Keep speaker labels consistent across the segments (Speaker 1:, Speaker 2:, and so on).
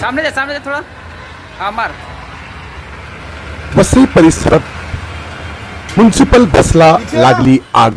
Speaker 1: सामने दे थोड़ा. हा मार.
Speaker 2: वसई परिसरात म्युन्सिपल बसला लागली आग.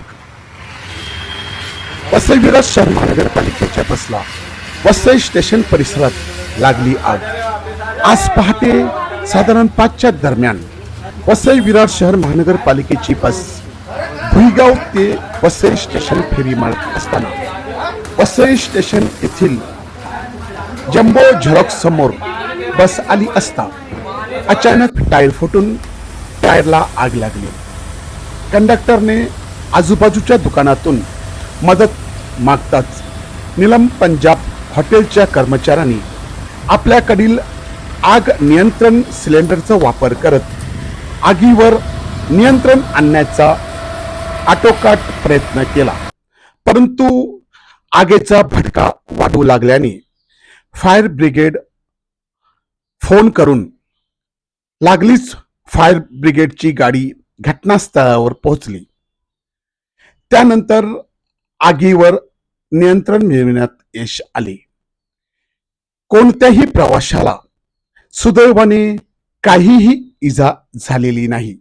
Speaker 2: वसई विरार शहर महानगरपालिकेच्या बसला वसई स्टेशन परिसरात लागली आग. आज पहाटे साधारण 5च्या दरम्यान वसई विरार शहर महानगरपालिकेची बस भुईगाव ते वसई स्टेशन फेरी मारत असताना वसई स्टेशन येथील जम्बो झेरॉक्स समोर बस आली असता अचानक टायर फुटून टायरला आग लागली. कंडक्टरने आजूबाजूच्या दुकानातून मदत मागताच नीलम पंजाब हॉटेलच्या कर्मचाऱ्यांनी आपल्याकडील आग नियंत्रण सिलेंडरचा वापर करत आगीवर नियंत्रण आणण्याचा आटोकाट प्रयत्न केला, परंतु आगीचा भडका वाढू लागल्याने फायर ब्रिगेड फोन करून लागलीच फायर ब्रिगेडची गाडी घटनास्थळावर पोहोचली. त्यानंतर आगीवर नियंत्रण मिळविण्यात यश आले. कोणत्याही प्रवाशाला सुदैवाने काहीही इजा झालेली नाही.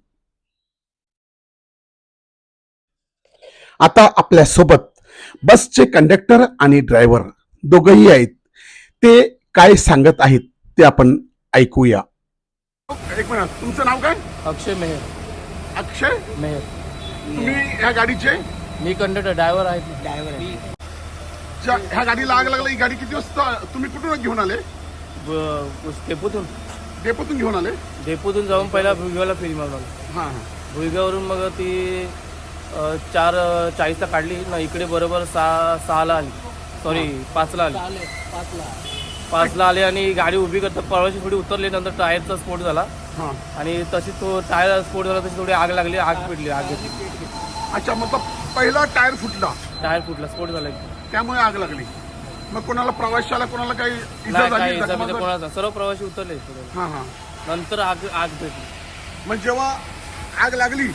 Speaker 2: आता आपल्या सोबत बसचे कंडक्टर आणि ड्रायव्हर दोघेही आहेत. ते काय सांगत आहेत ते आपण ऐकूया. एक मिनिट, तुमचं नाव काय?
Speaker 3: अक्षय मेहर.
Speaker 2: अक्षय
Speaker 3: मेहर.
Speaker 2: तुम्ही ह्या गाडीचे
Speaker 3: मी कंडक्टर ड्रायव्हर आहे.
Speaker 2: ह्या गाडीला आग लागली. ही गाडी किती वाजता तुम्ही कुठून घेऊन आले?
Speaker 3: डेपोतून
Speaker 2: डेपोतून घेऊन आले?
Speaker 3: डेपोतून जाऊन पहिला भुईगावला फेरी मारून आलो.
Speaker 2: हां
Speaker 3: भुईगाववरून मग ती 4:40ला काढली ना, इकडे बरोबर 6ला आली. सॉरी 5ला आली. 5ला आली आणि गाडी उभी करता पळवाची थोडी उतरली. नंतर टायरचा स्फोट झाला
Speaker 2: हां.
Speaker 3: आणि तशी तो टायर स्फोट झाला, तशी थोडी आग लागली. आग पेटली. आग घेतली.
Speaker 2: अच्छा, मतलब पहिला टायर फुटला,
Speaker 3: टायर फुटला, स्फोट झाला.
Speaker 2: त्यामुळे आग लागली. मग कोणाला प्रवाशाला कोणाला काही इजा
Speaker 3: नाही,
Speaker 2: झाली?
Speaker 3: काही इजा म्हणजे कोणाचा, सर्व प्रवासी उतरले.
Speaker 2: हां हां.
Speaker 3: नंतर आग पेटली.
Speaker 2: मग जेव्हा आग लागली,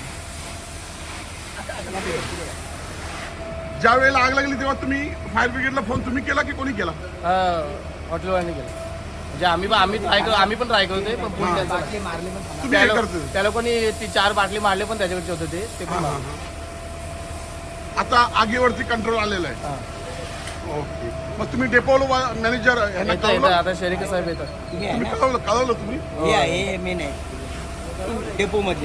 Speaker 2: ज्या वेळेला आग लागली तेव्हा तुम्ही फायर ब्रिगेडला फोन तुम्ही केला की कोणी केला?
Speaker 3: हॉटेलवाल्यांनी केलं. म्हणजे आम्ही पण ट्राय करतोय, पण फोन त्यांचा
Speaker 2: तुम्ही हे करतो.
Speaker 3: त्या लोकांनी ती 4 बाटली मारले, पण त्याच्याकडचे होते ते पण मारले.
Speaker 2: आता आगीवरती कंट्रोल आलेला आहे.
Speaker 3: हां.
Speaker 2: ओके. मग तुम्ही डेपो मॅनेजर यांना
Speaker 3: येतं
Speaker 2: कळवलं?
Speaker 3: आता शेरिके साहेब येतात.
Speaker 2: तुम्ही कळवलं तुम्ही?
Speaker 4: हे मी नाही डेपो मधले.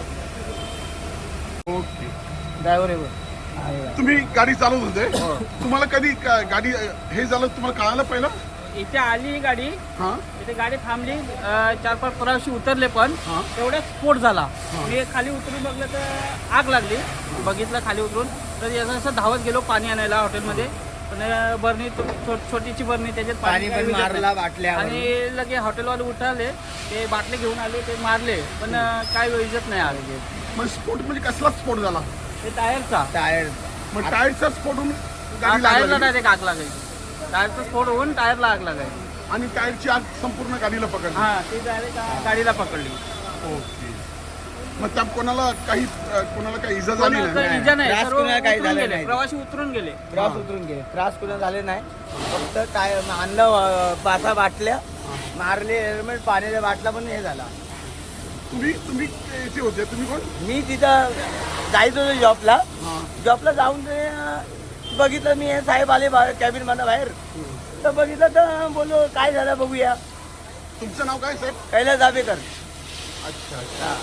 Speaker 2: ओके.
Speaker 3: ड्रायव्हर आहे.
Speaker 2: तुम्ही गाडी चालवत होते, तुम्हाला कधी गाडी हे झालं तुम्हाला कळालं पहिलं?
Speaker 1: इथे आली गाडी,
Speaker 2: हां
Speaker 1: इथे गाडी थांबली. 4-5 प्रवासी उतरले, पण
Speaker 2: हां.
Speaker 1: तेवढ्यात स्फोट झाला. मी खाली उतरून बघलं तर आग लागली. बघितलं खाली उतरून तर असं धावत गेलो पाणी आणायला हॉटेलमध्ये. पण बरणी छोटीची बरणी, त्याच्यात
Speaker 4: पाणी पण
Speaker 1: काही
Speaker 4: मारला
Speaker 1: विजत
Speaker 4: बाटल्या.
Speaker 1: नाही. आणि लगे हॉटेलवाले उठाले, ते बाटले घेऊन आले, ते मारले, पण काय विजत नाही आले.
Speaker 2: मग स्फोट म्हणजे कसला स्फोट झाला?
Speaker 1: ते टायरचा
Speaker 4: टायर
Speaker 2: मग टायरचा स्फोट होऊन गाडी
Speaker 1: टायरला
Speaker 2: लागली
Speaker 1: डायरेक्ट आग लागायची. टायरचा स्फोट होऊन टायरला आग लागायची.
Speaker 2: आणि टायरची आग संपूर्ण गाडीला पकडली.
Speaker 1: हा, ती डायरेक्ट गाडीला पकडली.
Speaker 2: ओके. मग त्या कोणाला काही इजा झाली
Speaker 1: कोणाला
Speaker 2: नाही?
Speaker 1: इजा नाही.
Speaker 4: त्रास
Speaker 1: सर्व
Speaker 4: कोणाला काही
Speaker 1: उतरून
Speaker 4: झाला
Speaker 1: गेले,
Speaker 4: नाही.
Speaker 1: प्रवासी उतरून गेले.
Speaker 4: त्रास उतरून गेले. त्रास कुठं झाले नाही. फक्त टायर आणलं 5 बाटल्या मारले. हेल्मेट पाण्याच्या बाटला पण हे झाला.
Speaker 2: तुम्ही इथे होते, तुम्ही कोण?
Speaker 4: मी तिथं जायचं होतो जॉबला.
Speaker 2: हां.
Speaker 4: जॉबला जाऊन ते बघितलं मी, हे साहेब आले कॅबिन मधनं बाहेर. तर बघितलं तर बोललो काय झालं बघूया.
Speaker 2: तुमचं नाव काय साहेब?
Speaker 4: कैलास जाबेकर.
Speaker 2: अच्छा अच्छा.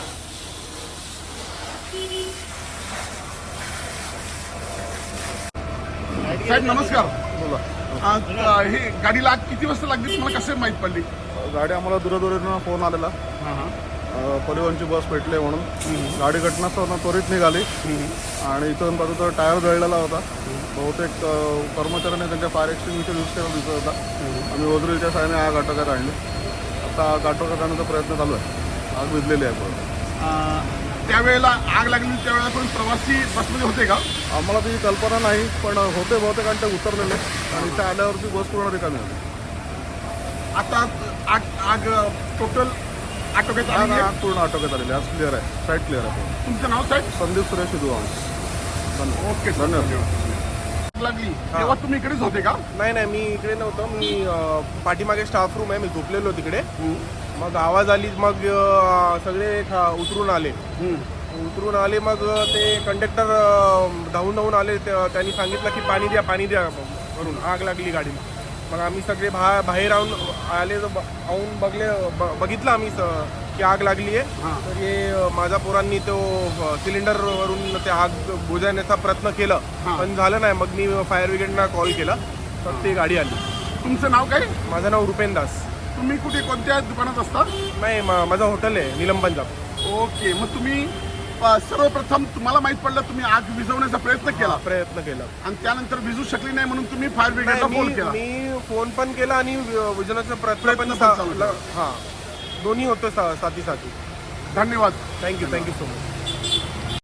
Speaker 2: साहेब नमस्कार. बोला. हे गाडीला आग किती वाजता लागली तुम्हाला कसं माहित पडली?
Speaker 5: गाडी आम्हाला दूरदूरीनं फोन आलेला.
Speaker 2: हां हां.
Speaker 5: परिवहनची बस पेटली म्हणून गाडी घटनास्थळावर त्वरित निघाली आणि इथून बाजूचा टायर जळलेला होता. बहुतेक कर्मचाऱ्यांनी त्यांच्या फायर एक्सटिंग्विशर यूज केला दिसत होता. आम्ही ओझरीच्या साहाय्याने आग आटोक्यात आणली. आता आग आटोक्यात आणण्याचा प्रयत्न चालू आहे. आग विझलेली आहे पूर्ण.
Speaker 2: त्यावेळेला आग लागली त्यावेळेला पण प्रवासी बसमध्ये होते का?
Speaker 5: आम्हाला ती कल्पना नाही, पण होते बहुतेक आणि ते उतरलेले आणि इथे आल्यावरती बस पूर्ण रिकामी होती.
Speaker 2: आता आग टोटल आटोक्यात आली आहे?
Speaker 5: आग पूर्ण आटोक्यात आलेली. आज क्लिअर आहे. साईट क्लिअर आहे.
Speaker 2: तुमचं नाव साहेब?
Speaker 5: संदीप सुरेश दुवा.
Speaker 2: ओके,
Speaker 5: धन्यवाद.
Speaker 2: लागली तेव्हा तुम्ही इकडेच होते का?
Speaker 6: नाही नाही, मी इकडे नव्हतो. मी पाठीमागे स्टाफ रूम आहे, मी झोपलेलो तिकडे. मग आवाज आली, मग सगळे उतरून आले. मग ते कंडक्टर धावून आले. त्यांनी सांगितलं की पाणी द्या करून, आग लागली गाडीला. मग आम्ही सगळे बाहेर आले, बघितलं आम्ही की आग लागली आहे. तर हे माझ्या पोरांनी तो सिलेंडरवरून ते आग बुझवण्याचा प्रयत्न केला, पण झालं नाही. मग मी फायर ब्रिगेडना कॉल केला, तर ती गाडी आली.
Speaker 2: तुमचं नाव काय?
Speaker 6: माझं नाव रुपेन दास.
Speaker 2: तुम्ही कुठे कोणत्या दुकानात असता?
Speaker 6: नाही, माझं हॉटेल आहे नीलम पंजाब.
Speaker 2: ओके, मग तुम्ही सर्वप्रथम तुम्हाला माहित पडलं, तुम्ही आग विझवण्याचा प्रयत्न केला आणि त्यानंतर विझू शकली नाही म्हणून तुम्ही फायर ब्रिगेडला फोन केला.
Speaker 6: मी फोन पण केला आणि विजनाचा प्रयत्न पण
Speaker 2: चालू केला.
Speaker 6: हां, दोन्ही होतं साथी.
Speaker 2: धन्यवाद.
Speaker 6: Thank you so much.